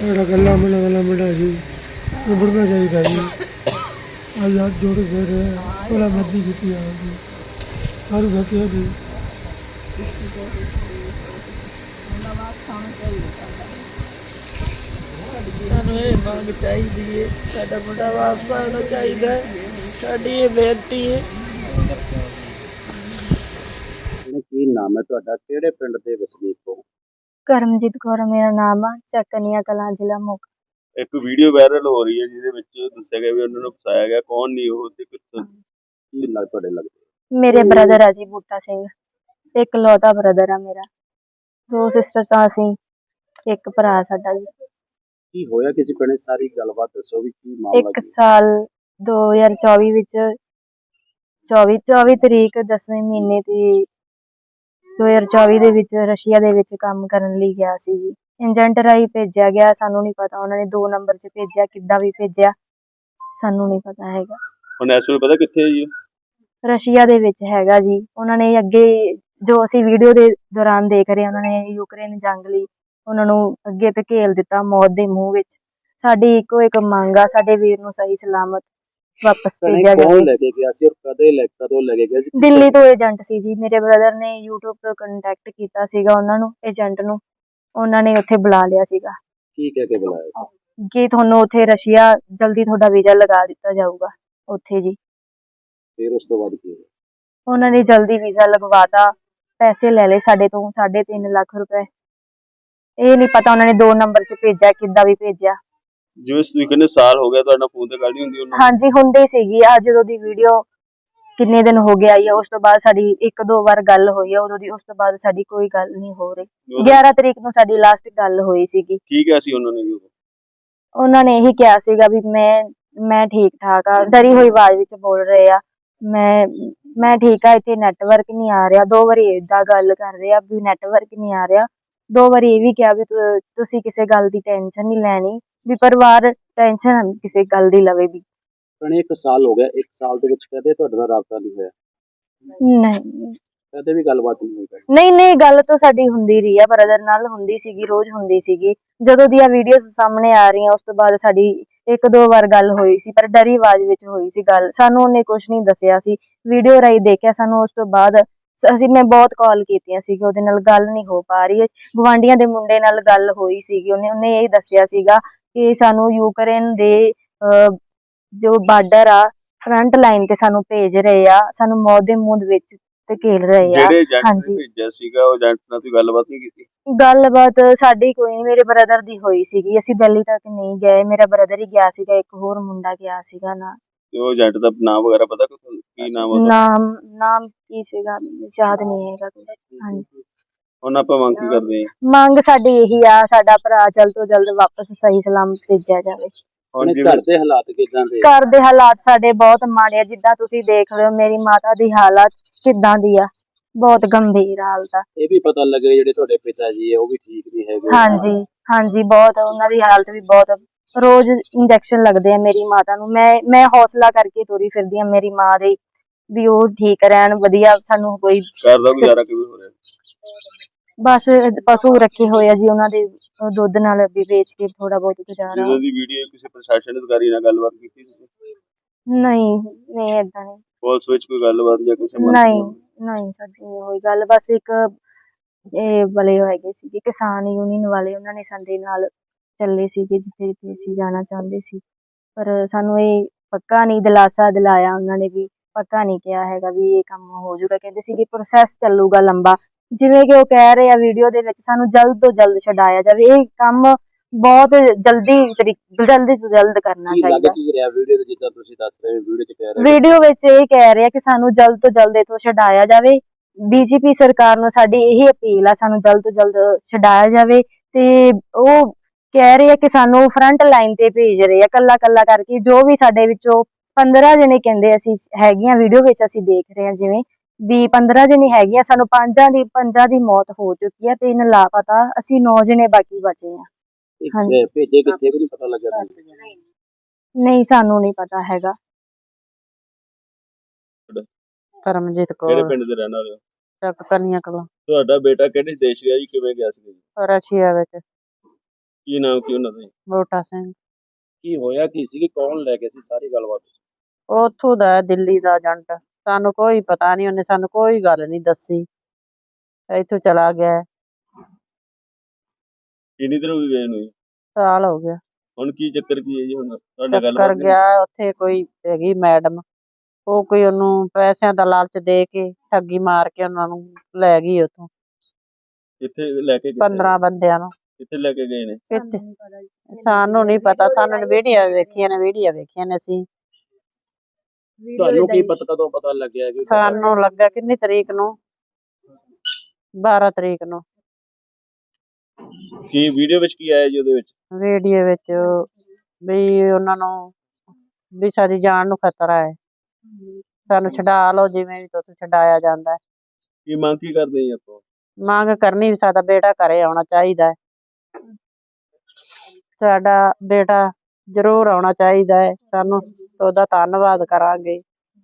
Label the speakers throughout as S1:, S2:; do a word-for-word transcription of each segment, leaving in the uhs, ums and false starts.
S1: ਜਿਹੜਾ ਗੱਲਾਂ ਮਿਲਾ ਗੱਲਾਂ ਮਿਲਾ ਜੀ ਨਿਬੜਨਾ ਚਾਹੀਦਾ ਜੀ। ਅੱਜ ਹੱਥ ਜੋੜ ਕੇ ਰਹੇ ਭਲਾ ਮਰਜ਼ੀ ਕੀਤੀ ਆ ਜੀ ਹਰ ਵਕਿਆ ਜੀ।
S2: ਸਾਨੂੰ ਇਹ ਮੰਗ ਚਾਹੀਦੀ ਹੈ, ਸਾਡਾ ਮੁੰਡਾ ਵਾਪਸ ਆਉਣਾ ਚਾਹੀਦਾ, ਸਾਡੀ ਇਹ ਬੇਨਤੀ ਹੈ।
S3: ਕੀ ਨਾਮ ਹੈ ਤੁਹਾਡਾ, ਕਿਹੜੇ ਪਿੰਡ ਦੇ ਵਸਨੀਕ ਹੋ?
S4: ਕਰਮਜੀਤ ਕੌਰ ਮੇਰਾ ਨਾਮ ਆ, ਚੱਕਨੀਆਂ ਕਲਾਂ, ਜ਼ਿਲ੍ਹਾ ਮੋਗਾ।
S5: ਇੱਕ ਵੀਡੀਓ ਵਾਇਰਲ ਹੋ ਰਹੀ ਹੈ ਜਿਹਦੇ ਵਿੱਚ ਦੱਸਿਆ ਗਿਆ ਵੀ ਉਹਨਾਂ ਨੂੰ ਫਸਾਇਆ ਗਿਆ, ਕੌਣ ਨਹੀਂ ਉਹ ਤੇ ਕਿੱਥੋਂ?
S3: ਕੀ ਲੱਗ ਤੁਹਾਡੇ ਲੱਗਦੇ?
S4: ਮੇਰੇ ਬ੍ਰਦਰ ਆ ਜੀ ਬੂਟਾ ਸਿੰਘ, ਇੱਕ ਲੌਤਾ ਬ੍ਰਦਰ ਆ ਮੇਰਾ। ਦੋ ਸਿਸਟਰਸ ਆ ਅਸੀਂ, ਇੱਕ ਭਰਾ ਸਾਡਾ ਜੀ।
S3: ਕੀ ਹੋਇਆ ਕਿਸੇ ਪਿੰਡ, ਸਾਰੀ ਗੱਲਬਾਤ ਦੱਸੋ ਵੀ ਕੀ ਮਾਮਲਾ
S4: ਇੱਕ
S3: ਕੀ?
S4: ਸਾਲ ਦੋ ਹਜ਼ਾਰ ਚੌਵੀ ਵਿੱਚ ਚੌਵੀ ਚੌਵੀ ਤਰੀਕ ਦਸਵੇਂ ਮਹੀਨੇ ਦੀ ਦੋ ਹਜ਼ਾਰ ਚੌਵੀ ਦੇ ਵਿੱਚ ਰਸ਼ੀਆ ਦੇ ਵਿੱਚ ਕੰਮ ਕਰਨ ਲਈ ਗਿਆ ਸੀ ਜੀ। ਏਜੰਟ ਰਾਹੀਂ ਭੇਜਿਆ ਗਿਆ, ਸਾਨੂੰ ਨਹੀਂ ਪਤਾ ਉਹਨਾਂ ਨੇ ਦੋ ਨੰਬਰ 'ਚ ਭੇਜਿਆ, ਕਿੱਦਾਂ ਵੀ ਭੇਜਿਆ ਸਾਨੂੰ ਨਹੀਂ ਪਤਾ ਹੈਗਾ।
S5: ਹੁਣ ਇਸ ਵੇਲੇ ਪਤਾ ਕਿੱਥੇ ਹੈ ਜੀ?
S4: ਰਸ਼ੀਆ ਦੇ ਵਿੱਚ ਹੈਗਾ ਜੀ। ਉਹਨਾਂ ਨੇ ਅੱਗੇ ਜੋ ਅਸੀਂ ਵੀਡੀਓ ਦੇ ਦੌਰਾਨ ਦੇਖ ਰਹੇ, ਉਹਨਾਂ ਨੇ ਯੂਕਰੇਨ ਜੰਗ ਲਈ ਉਹਨਾਂ ਨੂੰ ਅੱਗੇ ਧਕੇਲ ਦਿੱਤਾ ਮੌਤ ਦੇ ਮੂੰਹ ਵਿੱਚ। ਸਾਡੀ ਇੱਕੋ ਇੱਕ ਮੰਗ ਆ, ਸਾਡੇ ਵੀਰ ਨੂੰ ਸਹੀ ਸਲਾਮਤ ਵਾਪਸ ਭੇਜਿਆ
S3: ਕੌਣ
S4: ਜਾਵੇ।
S3: ਲੈ ਕੇ ਗਿਆ ਸੀ ਔਰ ਕਦੇ ਲੈ ਕਦੋਂ ਲੈ ਕੇ ਗਿਆ ਸੀ?
S4: ਦਿੱਲੀ ਤੋਂ ਏਜੰਟ ਸੀ ਜੀ। ਮੇਰੇ ਬ੍ਰਦਰ ਨੇ ਯੂਟਿਊਬ ਤੋਂ ਕੰਟੈਕਟ ਕੀਤਾ ਸੀਗਾ ਉਹਨਾਂ ਨੂੰ, ਏਜੰਟ ਨੂੰ। ਉਹਨਾਂ ਨੇ ਉੱਥੇ ਬੁਲਾ ਲਿਆ ਸੀਗਾ
S3: ਕੀ ਕਹਿ ਕੇ ਬੁਲਾਇਆ?
S4: ਕਿ ਤੁਹਾਨੂੰ ਉੱਥੇ ਰਸ਼ੀਆ ਜਲਦੀ ਤੁਹਾਡਾ ਵੀਜ਼ਾ ਲਗਾ ਦਿੱਤਾ ਜਾਊਗਾ ਉੱਥੇ ਜੀ।
S3: ਫਿਰ ਉਸ ਤੋਂ ਬਾਅਦ ਕੀ ਹੋਇਆ?
S4: ਉਹਨਾਂ ਨੇ ਜਲਦੀ ਵੀਜ਼ਾ ਲਗਵਾਤਾ, ਪੈਸੇ ਲੈ ਲਏ ਸਾਡੇ ਤੋਂ ਸਾਢੇ ਤਿੰਨ ਲੱਖ ਰੁਪਏ। ਇਹ ਨਹੀਂ ਪਤਾ ਉਹਨਾਂ ਨੇ ਦੋ ਨੰਬਰ 'ਚ ਭੇਜਿਆ, ਕਿੱਦਾਂ ਵੀ ਭੇਜਿਆ।
S5: ਜਿਵੇਂ ਤੁਸੀਂ ਕਹਿੰਦੇ ਸਾਲ ਹੋ ਗਿਆ ਤੁਹਾਡਾ ਫੋਨ ਤੇ ਗੱਲ ਨਹੀਂ ਹੁੰਦੀ ਉਹਨਾਂ ਨਾਲ?
S4: ਹਾਂਜੀ ਹੁੰਦੀ ਸੀਗੀ। ਆ ਜਦੋਂ ਦੀ ਵੀਡੀਓ ਕਿੰਨੇ ਦਿਨ ਹੋ ਗਏ ਆਈ ਆ, ਉਸ ਤੋਂ ਬਾਅਦ ਸਾਡੀ ਇੱਕ ਦੋ ਵਾਰ ਗੱਲ ਹੋਈ ਆ ਉਦੋਂ ਦੀ, ਉਸ ਤੋਂ ਬਾਅਦ ਸਾਡੀ ਕੋਈ ਗੱਲ ਨਹੀਂ ਹੋ ਰਹੀ। ਗਿਆਰਾਂ ਤਰੀਕ ਨੂੰ ਸਾਡੀ ਲਾਸਟ ਗੱਲ ਹੋਈ ਸੀਗੀ।
S5: ਕੀ ਕਿਹਾ ਸੀ ਉਹਨਾਂ ਨੇ ਜੀ ਉਦੋਂ?
S4: ਉਹਨਾਂ ਨੇ ਇਹੀ ਕਿਹਾ ਸੀਗਾ ਵੀ ਮੈਂ ਮੈਂ ਠੀਕ ਠਾਕ ਆ, ਡਰੀ ਹੋਈ ਆਵਾਜ਼ ਵਿੱਚ ਬੋਲ ਰਹੇ ਆ, ਮੈਂ ਮੈਂ ਠੀਕ ਆ, ਇੱਥੇ ਨੈਟਵਰਕ ਨਹੀਂ ਆ ਰਿਹਾ। ਦੋ ਵਾਰੀ ਏਦਾਂ ਗੱਲ ਕਰ ਰਹੇ ਆ ਵੀ ਨੈਟਵਰਕ ਨਹੀਂ ਆ ਰਿਹਾ। ਦੋ ਵਾਰੀ ਇਹ ਵੀ ਕਿਹਾ ਵੀ ਤੁ- ਤੁਸੀਂ ਕਿਸੇ ਗੱਲ ਦੀ ਟੈਨਸ਼ਨ ਨਹੀਂ ਲੈਣੀ, ਵੀ ਪਰਿਵਾਰ ਟੈਨਸ਼ਨ ਕਿਸੇ ਗੱਲ ਦੀ ਲਵੇ ਵੀ।
S3: ਭੈਣੇ ਇੱਕ ਸਾਲ ਹੋ ਗਿਆ, ਇੱਕ ਸਾਲ ਦੇ ਵਿੱਚ ਕਦੇ ਤੁਹਾਡੇ ਨਾਲ ਰਾਬਤਾ ਨਹੀਂ ਹੋਇਆ?
S4: ਨਹੀਂ
S3: ਕਦੇ ਵੀ ਗੱਲਬਾਤ ਨਹੀਂ ਹੋਈ ਭੈਣੇ?
S4: ਨਹੀਂ ਨਹੀਂ ਗੱਲ ਤਾਂ ਸਾਡੀ ਹੁੰਦੀ ਰਹੀ ਆ, ਬ੍ਰਦਰ ਨਾਲ ਹੁੰਦੀ ਸੀਗੀ, ਰੋਜ਼ ਹੁੰਦੀ ਸੀਗੀ। ਜਦੋਂ ਦੀਆਂ ਵੀਡੀਓਜ਼ ਸਾਹਮਣੇ ਆ ਰਹੀਆਂ ਉਸ ਤੋਂ ਬਾਅਦ ਸਾਡੀ ਇੱਕ ਦੋ ਵਾਰ ਗੱਲ ਹੋਈ ਸੀ, ਪਰ ਡਰੀ ਆਵਾਜ਼ ਵਿੱਚ ਹੋਈ ਸੀ ਗੱਲ। ਸਾਨੂੰ ਉਹਨੇ ਕੁਝ ਨਹੀਂ ਦੱਸਿਆ ਸੀ, ਵੀਡੀਓ ਰਾਹੀਂ ਦੇਖਿਆ ਸਾਨੂੰ। ਉਸ ਤੋਂ ਬਾਅਦ ਅਸੀਂ ਮੈਂ ਬਹੁਤ ਕਾਲ ਕੀਤੀਆਂ ਸੀਗੀ, ਉਹਦੇ ਨਾਲ ਗੱਲ ਨਹੀਂ ਹੋ ਪਾ ਰਹੀ। ਗੁਆਂਢੀਆਂ ਦੇ ਮੁੰਡੇ ਨਾਲ ਗੱਲ ਹੋਈ ਸੀਗੀ, ਉਹਨੇ ਉਹਨੇ ਇਹ ਦੱਸਿਆ ਸੀਗਾ ਕਿ ਸਾਨੂੰ ਯੂਕਰੇਨ ਦੇ ਅਹ, ਜੋ ਬਾਰਡਰ ਆ ਫਰੰਟ ਲਾਈਨ ਤੇ ਸਾਨੂੰ ਭੇਜ ਰਹੇ ਆ, ਸਾਨੂੰ ਮੌਤ ਦੇ ਮੂੰਹ ਵਿੱਚ ਧਕੇਲ ਰਹੇ ਆ।
S5: ਜਿਹੜੇ ਏਜੰਟ
S4: ਹਾਂਜੀ।
S5: ਨੇ ਭੇਜਿਆ ਸੀਗਾ ਉਹ ਏਜੰਟ ਨਾਲ ਤੁਸੀਂ ਗੱਲਬਾਤ ਨਹੀਂ ਕੀਤੀ?
S4: ਗੱਲਬਾਤ ਸਾਡੀ ਕੋਈ ਨਹੀਂ, ਮੇਰੇ ਬ੍ਰਦਰ ਦੀ ਹੋਈ ਸੀਗੀ। ਅਸੀਂ ਦਿੱਲੀ ਤੱਕ ਨਹੀਂ ਗਏ, ਮੇਰਾ ਬ੍ਰਦਰ ਹੀ ਗਿਆ ਸੀਗਾ, ਇੱਕ ਹੋਰ ਮੁੰਡਾ ਗਿਆ ਸੀਗਾ ਨਾ।
S5: ਤੇ ਉਹ ਏਜੰਟ ਦਾ ਨਾਮ ਵਗੈਰਾ ਪਤਾ ਤੁਹਾਨੂੰ? ਕੀ ਨਾਮ ਉਹਦਾ?
S4: ਨਾਮ ਨਾਮ ਕੀ ਸੀਗਾ ਯਾਦ ਨਹੀਂ ਹੈਗਾ ਕੁਛ। ਹਾਂਜੀ।
S5: ਹੁਣ ਆਪਾਂ ਮੰਗ ਕੀ ਕਰਦੇ ਹਾਂ?
S4: ਮੰਗ ਸਾਡੀ ਇਹੀ ਆ, ਸਾਡਾ ਭਰਾ ਜਲਦ ਤੋਂ ਜਲਦ ਵਾਪਸ ਸਹੀ ਸਲਾਮਤ ਭੇਜਿਆ ਜਾਵੇ।
S5: ਹੁਣ
S3: ਭੈਣੇ
S5: ਜਿਵੇਂ
S3: ਘਰ ਦੇ ਹਾਲਾਤ ਕਿਦਾਂ ਦੇ?
S4: ਘਰ ਦੇ ਹਾਲਾਤ ਸਾਡੇ ਬਹੁਤ ਮਾੜੇ ਆ, ਜਿੱਦਾਂ ਤੁਸੀਂ ਦੇਖ ਰਹੇ ਹੋ ਮੇਰੀ ਮਾਤਾ ਦੀ ਹਾਲਤ ਕਿੱਦਾਂ ਦੀ ਆ, ਬਹੁਤ ਗੰਭੀਰ ਹਾਲਤ ਆ।
S3: ਇਹ ਵੀ ਪਤਾ ਲੱਗ ਰਿਹਾ ਜਿਹੜੇ ਤੁਹਾਡੇ ਪਿਤਾ ਜੀ ਹੈ ਉਹ ਵੀ ਠੀਕ ਨਹੀਂ ਹੈਗੇ।
S4: ਹਾਂਜੀ ਹਾਂਜੀ ਬਹੁਤ, ਉਹਨਾਂ ਦੀ ਹਾਲਤ ਵੀ ਬਹੁਤ। ਰੋਜ਼ ਇੰਜੈਕਸ਼ਨ ਲੱਗਦੇ ਆ ਮੇਰੀ ਮਾਤਾ ਨੂੰ। ਮੈਂ ਮੈਂ ਹੌਸਲਾ ਕਰਕੇ ਤੁਰੀ ਫਿਰਦੀ ਆ ਮੇਰੀ ਮਾਂ ਦੇ ਵੀ ਉਹ ਠੀਕ ਰਹਿਣ, ਵਧੀਆ। ਸਾਨੂੰ ਕੋਈ
S5: ਘਰ ਦਾ ਗੁਜ਼ਾਰਾ ਕਿਵੇਂ ਹੋ ਰਿਹਾ?
S4: ਬਸ ਪਸ਼ੂ ਰੱਖੇ ਹੋਏ ਆ ਜੀ, ਉਹਨਾਂ ਦੇ ਦੁੱਧ ਨਾਲ ਵੀ ਵੇਚ ਕੇ ਥੋੜਾ ਬਹੁਤ ਗੁਜ਼ਾਰਾ।
S5: ਜਦੋਂ ਦੀ ਵੀਡੀਓ ਕਿਸੇ ਪ੍ਰਸ਼ਾਸਨ ਅਧਿਕਾਰੀ ਨਾਲ ਗੱਲਬਾਤ ਕੀਤੀ ਸੀ?
S4: ਨਹੀਂ ਨਹੀਂ ਏਦਾਂ ਨਹੀਂ।
S5: ਪੁਲਿਸ ਵਿੱਚ ਕੋਈ ਗੱਲਬਾਤ ਜਾਂ ਕਿਸੇ ਮੰਤਰੀ
S4: ਨਹੀਂ
S5: ਨਾਲ?
S4: ਨਹੀਂ ਸਾਡੀ ਨਹੀਂ ਹੋਈ ਗੱਲ। ਬਸ ਇੱਕ ਇਹ ਵਾਲੇ ਹੈਗੇ ਸੀਗੇ ਕਿਸਾਨ ਯੂਨੀਅਨ ਵਾਲੇ, ਉਹਨਾਂ ਨੇ ਸਾਡੇ ਨਾਲ ਚੱਲੇ ਸੀਗੇ ਜਿੱਥੇ ਜਿੱਥੇ ਅਸੀਂ ਜਾਣਾ ਚਾਹੁੰਦੇ ਸੀ, ਪਰ ਸਾਨੂੰ ਇਹ ਪੱਕਾ ਨਹੀਂ ਦਿਲਾਸਾ ਦਿਲਾਇਆ ਉਹਨਾਂ ਨੇ, ਵੀ ਪੱਕਾ ਨਹੀਂ ਕਿਹਾ ਹੈਗਾ ਵੀ ਇਹ ਕੰਮ ਹੋ ਜਾਊਗਾ। ਕਹਿੰਦੇ ਸੀਗੇ ਪ੍ਰੋਸੈਸ ਚੱਲੂਗਾ ਲੰਬਾ, ਜਿਵੇਂ ਕਿ ਉਹ ਕਹਿ ਰਹੇ ਆ ਵੀਡੀਓ ਦੇ ਵਿੱਚ ਸਾਨੂੰ ਜਲਦ ਤੋਂ ਜਲਦ ਛਡਾਇਆ ਜਾਵੇ। ਇਹ ਕੰਮ ਬਹੁਤ ਜਲਦੀ ਤਰੀਕੇ ਜਲਦੀ ਤੋਂ ਜਲਦ ਕਰਨਾ
S3: ਕੀ ਲੱਗ
S4: ਚਾਹੀਦਾ।
S3: ਕੀ ਰਿਹਾ ਵੀਡੀਓ ਤੇ, ਜਿੱਦਾਂ ਤੁਸੀਂ ਦੱਸ ਰਹੇ ਹੋ ਵੀਡੀਓ 'ਚ ਕਹਿ ਰਹੇ ਹੋ?
S4: ਵੀਡੀਓ ਵਿੱਚ ਇਹ ਕਹਿ ਰਹੇ ਆ ਕਿ ਸਾਨੂੰ ਜਲਦ ਤੋਂ ਜਲਦ ਇੱਥੋਂ ਛਡਾਇਆ ਜਾਵੇ। ਬੀਜੇਪੀ ਸਰਕਾਰ ਨੂੰ ਸਾਡੀ ਇਹੀ ਅਪੀਲ ਆ, ਸਾਨੂੰ ਜਲਦ ਤੋਂ ਜਲਦ ਛਡਾਇਆ ਜਾਵੇ। ਤੇ ਉਹ ਕਹਿ ਰਹੇ ਆ ਕਿ ਸਾਨੂੰ ਫਰੰਟ ਲਾਈਨ ਤੇ ਭੇਜ ਰਹੇ ਆ ਕੱਲਾ ਕੱਲਾ ਕਰਕੇ, ਜੋ ਵੀ ਸਾਡੇ ਵਿੱਚੋਂ ਪੰਦਰਾਂ ਜਣੇ ਕਹਿੰਦੇ ਅਸੀਂ ਹੈਗੀਆਂ, ਵੀਡੀਓ ਵਿੱਚ ਅਸੀਂ ਦੇਖ ਰਹੇ ਹਾਂ ਜਿਵੇਂ ਵੀ ਪੰਦਰਾਂ ਜਣੇ ਹੈਗੀਆਂ, ਸਾਨੂੰ ਪੰਜਾਂ ਦੀ ਪੰਜਾਂ ਦੀ ਮੌਤ ਹੋ ਚੁੱਕੀ ਆ, ਤਿੰਨ ਲਾਪਤਾ, ਅਸੀਂ ਨੌ ਜਣੇ ਬਾਕੀ ਬਚੇ ਆ। ਹਾਂਜੀ।
S3: ਭੇਜੇ ਕਿੱਥੇ ਵੀ ਨਹੀਂ ਪਤਾ ਲੱਗਿਆ ਤੁਹਾਨੂੰ?
S4: ਨਹੀਂ ਸਾਨੂੰ ਨਹੀਂ ਪਤਾ ਹੈਗਾ।
S6: ਕਰਮਜੀਤ
S5: ਕਿਹੜੇ
S6: ਕੌਰ,
S5: ਪਿੰਡ ਦੇ ਰਹਿਣ ਵਾਲੇ ਹੋ?
S6: ਚੱਕ ਕਨੀਆਂ ਕਲਾਂ,
S5: ਤੁਹਾਡਾ ਬੇਟਾ ਕਿਹੜੇ ਦੇਸ਼ ਗਿਆ ਜੀ, ਕਿਵੇਂ ਗਿਆ ਸੀ ਜੀ?
S6: ਰਸ਼ੀਆ ਵਿੱਚ।
S5: ਕੀ ਨਾਮ ਕੀ ਉਹਨਾਂ ਦਾ ਜੀ?
S6: ਬੂਟਾ ਸਿੰਘ
S3: ਕੀ ਹੋਇਆ ਕੀ ਸੀ, ਕੌਣ ਲੈ ਕੇ ਸੀ, ਸਾਰੀ ਗੱਲਬਾਤ?
S6: ਉਹ ਉੱਥੋਂ ਦਾ ਹੈ, ਦਿੱਲੀ ਦਾ ਏਜੰਟ। ਸਾਨੂੰ ਕੋਈ ਪਤਾ ਨਹੀਂ, ਉਹਨੇ ਸਾਨੂੰ ਕੋਈ ਗੱਲ ਨਹੀਂ ਦੱਸੀ, ਇੱਥੋਂ ਚਲਾ ਗਿਆ ਹੈ।
S5: ਕਿੰਨੀ ਦੇਰ ਹੋ ਗਈ ਗਏ ਨੂੰ ਜੀ?
S6: ਸਾਲ ਹੋ ਗਿਆ।
S5: ਹੁਣ ਕੀ ਚੱਕਰ ਕੀ ਹੈ ਜੀ? ਹੁਣ ਤੁਹਾਡੇ
S6: ਚੱਕਰ
S5: ਗੱਲਬਾਤ ਨਹੀਂ?
S6: ਗਿਆ ਉੱਥੇ ਕੋਈ ਹੈਗੀ ਮੈਡਮ, ਉਹ ਕੋਈ ਉਹਨੂੰ ਪੈਸਿਆਂ ਦਾ ਲਾਲਚ ਦੇ ਕੇ ਠੱਗੀ ਮਾਰ ਕੇ ਉਹਨਾਂ ਨੂੰ ਲੈ ਗਈ ਉੱਥੋਂ,
S5: ਕਿੱਥੇ ਲੈ ਕੇ ਗਏ?
S6: ਪੰਦਰਾਂ ਬੰਦਿਆਂ ਨੂੰ।
S5: ਕਿੱਥੇ ਲੈ ਕੇ ਗਏ ਨੇ?
S6: ਕਿੱਥੇ ਸਾਨੂੰ ਨਹੀਂ ਪਤਾ, ਸਾਨੂੰ ਵੀਡੀਓ ਵੇਖੀਆਂ ਨੇ, ਵੀਡੀਓ ਵੇਖੀਆਂ ਨੇ ਅਸੀਂ।
S3: ਤੁਹਾਨੂੰ ਕੀ ਪਤਾ, ਕਦੋਂ ਪਤਾ ਲੱਗਿਆ ਕਿ
S6: ਸਾਨੂੰ ਲੱਗਾ ਕਿੰਨੀ ਤਰੀਕ ਨੂੰ, ਬਾਰਾਂ ਤਰੀਕ ਨੂੰ।
S5: ਕੀ ਵੀਡੀਓ ਵਿੱਚ ਕੀ ਆਇਆ ਜੀ ਉਹਦੇ ਵਿੱਚ?
S6: ਵੀਡੀਓ ਵਿੱਚ ਵੀ ਉਹਨਾਂ ਨੂੰ ਵੀ ਸਾਡੀ ਜਾਨ ਨੂੰ ਖਤਰਾ ਹੈ, ਸਾਨੂੰ ਛਡਾ ਲਓ, ਜਿਵੇਂ ਵੀ ਤੁਸੀਂ ਛਡਾਇਆ ਜਾਂਦਾ ਹੈ।
S5: ਕੀ ਮੰਗ ਕੀ ਕਰਦੇ ਜੀ ਆਪਾਂ?
S6: ਮੰਗ ਕਰਨੀ ਵੀ ਸਾਡਾ ਬੇਟਾ ਘਰੇ ਆਉਣਾ ਚਾਹੀਦਾ ਹੈ, ਸਾਡਾ ਬੇਟਾ ਜ਼ਰੂਰ ਆਉਣਾ ਚਾਹੀਦਾ ਹੈ, ਸਾਨੂੰ ਉਹਦਾ ਧੰਨਵਾਦ ਕਰਾਂਗੇ।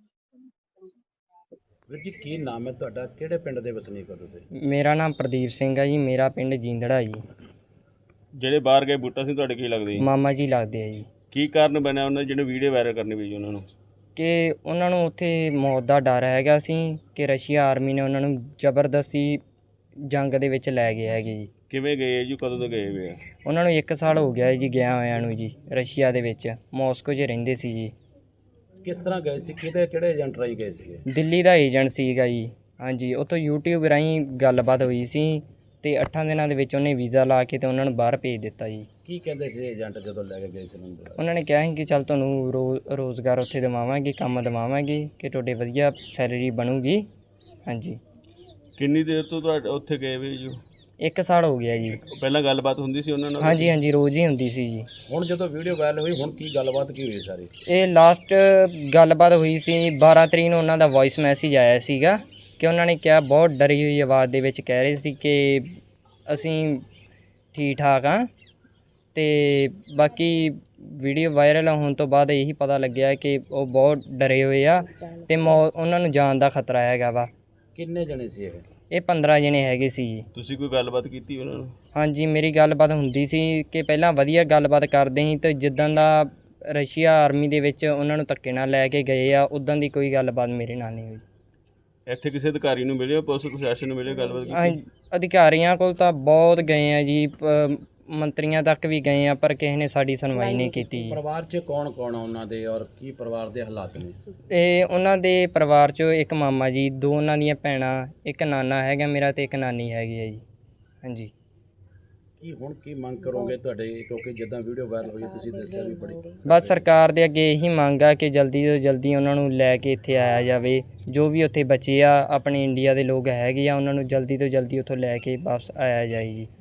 S3: ਵੀਰ ਜੀ ਕੀ ਨਾਮ ਹੈ ਤੁਹਾਡਾ, ਕਿਹੜੇ ਪਿੰਡ ਦੇ ਵਸਨੀਕ ਹੋ ਤੁਸੀਂ?
S7: ਮੇਰਾ ਨਾਮ ਪ੍ਰਦੀਪ ਸਿੰਘ ਹੈ ਜੀ, ਮੇਰਾ ਪਿੰਡ ਜੀਂਦੜਾ ਜੀ।
S5: ਜਿਹੜੇ ਬਾਹਰ ਗਏ ਬੂਟਾ ਸਿੰਘ ਤੁਹਾਡੇ ਕੀ ਲੱਗਦੇ ਜੀ?
S7: ਮਾਮਾ ਜੀ ਲੱਗਦੇ ਆ ਜੀ।
S5: ਕੀ ਕਾਰਨ ਬਣਿਆ ਉਹਨਾਂ ਦੀ ਜਿਹੜੇ ਵੀਡੀਓ ਵਾਇਰਲ ਕਰਨੀ ਪਈ ਜੀ ਉਹਨਾਂ ਨੂੰ?
S7: ਕਿ ਉਹਨਾਂ ਨੂੰ ਉੱਥੇ ਮੌਤ ਦਾ ਡਰ ਹੈਗਾ ਸੀ ਕਿ ਰਸ਼ੀਆ ਆਰਮੀ ਨੇ ਉਹਨਾਂ ਨੂੰ ਜ਼ਬਰਦਸਤੀ ਜੰਗ ਦੇ ਵਿੱਚ ਲੈ ਗਏ ਹੈਗੇ ਜੀ।
S5: ਕਿਵੇਂ ਗਏ ਜੀ, ਕਦੋਂ ਤੋਂ ਗਏ ਹੋਏ ਆ?
S7: ਉਹਨਾਂ ਨੂੰ ਇੱਕ ਸਾਲ ਹੋ ਗਿਆ ਜੀ ਗਿਆ ਹੋਇਆਂ ਨੂੰ ਜੀ, ਰਸ਼ੀਆ ਦੇ ਵਿੱਚ ਮਾਸਕੋ 'ਚ ਰਹਿੰਦੇ ਸੀ ਜੀ।
S3: ਕਿਸ ਤਰ੍ਹਾਂ ਗਏ ਸੀ, ਕਿਹਦੇ ਕਿਹੜੇ ਏਜੰਟ ਰਾਹੀਂ ਗਏ ਸੀਗੇ?
S7: ਦਿੱਲੀ ਦਾ ਏਜੰਟ ਸੀਗਾ ਜੀ। ਹਾਂਜੀ, ਉੱਥੋਂ ਯੂਟਿਊਬ ਰਾਹੀਂ ਗੱਲਬਾਤ ਹੋਈ ਸੀ ਅਤੇ ਅੱਠਾਂ ਦਿਨਾਂ ਦੇ ਵਿੱਚ ਉਹਨੇ ਵੀਜ਼ਾ ਲਾ ਕੇ ਅਤੇ ਉਹਨਾਂ ਨੂੰ ਬਾਹਰ ਭੇਜ ਦਿੱਤਾ ਜੀ।
S3: ਕੀ ਕਹਿੰਦੇ ਸੀ ਏਜੰਟ ਜਦੋਂ ਲੈ ਕੇ ਗਏ ਸੀ ਉਹਨਾਂ ਨੂੰ?
S7: ਉਹਨਾਂ ਨੇ ਕਿਹਾ ਸੀ ਕਿ ਚੱਲ ਤੁਹਾਨੂੰ ਰੋ ਰੋਜ਼ਗਾਰ ਉੱਥੇ ਦਿਵਾਵਾਂਗੇ, ਕੰਮ ਦਿਵਾਵਾਂਗੇ, ਕਿ ਤੁਹਾਡੇ ਵਧੀਆ ਸੈਲਰੀ ਬਣੂਗੀ। ਹਾਂਜੀ।
S5: ਕਿੰਨੀ ਦੇਰ ਤੋਂ ਤੁਹਾਡੇ ਉੱਥੇ ਗਏ ਹੋਏ ਜੀ?
S7: ਇੱਕ ਸਾਲ ਹੋ ਗਿਆ ਜੀ।
S5: ਪਹਿਲਾਂ ਗੱਲਬਾਤ ਹੁੰਦੀ ਸੀ ਉਹਨਾਂ ਨਾਲ?
S7: ਹਾਂਜੀ ਹਾਂਜੀ, ਰੋਜ਼ ਹੀ ਹੁੰਦੀ ਸੀ ਜੀ।
S3: ਹੁਣ ਜਦੋਂ ਵੀਡੀਓ ਵਾਇਰਲ ਹੋਈ, ਹੁਣ ਕੀ ਗੱਲਬਾਤ ਕੀ ਹੋਈ ਸਾਰੀ?
S7: ਇਹ ਲਾਸਟ ਗੱਲਬਾਤ ਹੋਈ ਸੀ ਬਾਰਾਂ ਤਰੀਕ ਨੂੰ, ਉਹਨਾਂ ਦਾ ਵੌਇਸ ਮੈਸੇਜ ਆਇਆ ਸੀਗਾ ਕਿ ਉਹਨਾਂ ਨੇ ਕਿਹਾ, ਬਹੁਤ ਡਰੀ ਹੋਈ ਆਵਾਜ਼ ਦੇ ਵਿੱਚ ਕਹਿ ਰਹੇ ਸੀ ਕਿ ਅਸੀਂ ਠੀਕ ਠਾਕ ਹਾਂ। ਅਤੇ ਬਾਕੀ ਵੀਡੀਓ ਵਾਇਰਲ ਹੋਣ ਤੋਂ ਬਾਅਦ ਇਹੀ ਪਤਾ ਲੱਗਿਆ ਕਿ ਉਹ ਬਹੁਤ ਡਰੇ ਹੋਏ ਆ ਅਤੇ ਮੌ ਉਹਨਾਂ ਨੂੰ ਜਾਨ ਦਾ ਖਤਰਾ ਹੈਗਾ ਵਾ।
S3: ਕਿੰਨੇ ਜਣੇ ਸੀ ਇਹ?
S7: ਇਹ ਪੰਦਰਾਂ ਜਣੇ ਹੈਗੇ ਸੀ ਜੀ।
S5: ਤੁਸੀਂ ਕੋਈ ਗੱਲਬਾਤ ਕੀਤੀ ਉਹਨਾਂ ਨੂੰ?
S7: ਹਾਂਜੀ, ਮੇਰੀ ਗੱਲਬਾਤ ਹੁੰਦੀ ਸੀ ਕਿ ਪਹਿਲਾਂ ਵਧੀਆ ਗੱਲਬਾਤ ਕਰਦੇ ਸੀ, ਅਤੇ ਜਿੱਦਾਂ ਦਾ ਰਸ਼ੀਆ ਆਰਮੀ ਦੇ ਵਿੱਚ ਉਹਨਾਂ ਨੂੰ ਧੱਕੇ ਨਾਲ ਲੈ ਕੇ ਗਏ ਆ, ਉੱਦਾਂ ਦੀ ਕੋਈ ਗੱਲਬਾਤ ਮੇਰੇ ਨਾਲ ਨਹੀਂ ਹੋਈ।
S5: ਇੱਥੇ ਕਿਸੇ ਅਧਿਕਾਰੀ ਨੂੰ ਮਿਲੇ, ਪੁਲਿਸ ਪ੍ਰਸ਼ਾਸਨ ਨੂੰ ਮਿਲੇ, ਗੱਲਬਾਤ ਕੀਤੀ?
S7: ਹਾਂ, ਅਧਿਕਾਰੀਆਂ ਕੋਲ ਤਾਂ ਬਹੁਤ ਗਏ ਆ ਜੀ, ਪ- ਮੰਤਰੀਆਂ ਤੱਕ ਵੀ ਗਏ ਆ, ਪਰ ਕਿਸੇ ਨੇ ਸਾਡੀ ਸੁਣਵਾਈ ਨਹੀਂ ਕੀਤੀ ਜੀ।
S3: ਪਰਿਵਾਰ 'ਚ ਕੌਣ ਕੌਣ ਆ ਉਹਨਾਂ ਦੇ, ਔਰ ਕੀ ਪਰਿਵਾਰ ਦੇ ਹਾਲਾਤ ਨੇ?
S7: ਇਹ ਉਹਨਾਂ ਦੇ ਪਰਿਵਾਰ 'ਚੋਂ ਇੱਕ ਮਾਮਾ ਜੀ, ਦੋ ਉਹਨਾਂ ਦੀਆਂ ਭੈਣਾਂ, ਇੱਕ ਨਾਨਾ ਹੈਗਾ ਮੇਰਾ ਅਤੇ ਇੱਕ ਨਾਨੀ ਹੈਗੀ ਹੈ ਜੀ। ਹਾਂਜੀ।
S3: ਕੀ ਹੁਣ ਕੀ ਮੰਗ ਕਰੋਗੇ ਤੁਹਾਡੇ, ਕਿਉਂਕਿ ਜਿੱਦਾਂ ਵੀਡੀਓ ਵਾਇਰਲ ਹੋਈ ਤੁਸੀਂ ਦੱਸਿਆ ਵੀ ਬੜੀ?
S7: ਬਸ ਸਰਕਾਰ ਦੇ ਅੱਗੇ ਇਹੀ ਮੰਗ ਆ ਕਿ ਜਲਦੀ ਤੋਂ ਜਲਦੀ ਉਹਨਾਂ ਨੂੰ ਲੈ ਕੇ ਇੱਥੇ ਆਇਆ ਜਾਵੇ। ਜੋ ਵੀ ਉੱਥੇ ਬਚੇ ਆ ਆਪਣੇ ਇੰਡੀਆ ਦੇ ਲੋਕ ਹੈਗੇ ਆ, ਉਹਨਾਂ ਨੂੰ ਜਲਦੀ ਤੋਂ ਜਲਦੀ ਉੱਥੋਂ ਲੈ ਕੇ ਵਾਪਸ ਆਇਆ ਜਾਏ ਜੀ।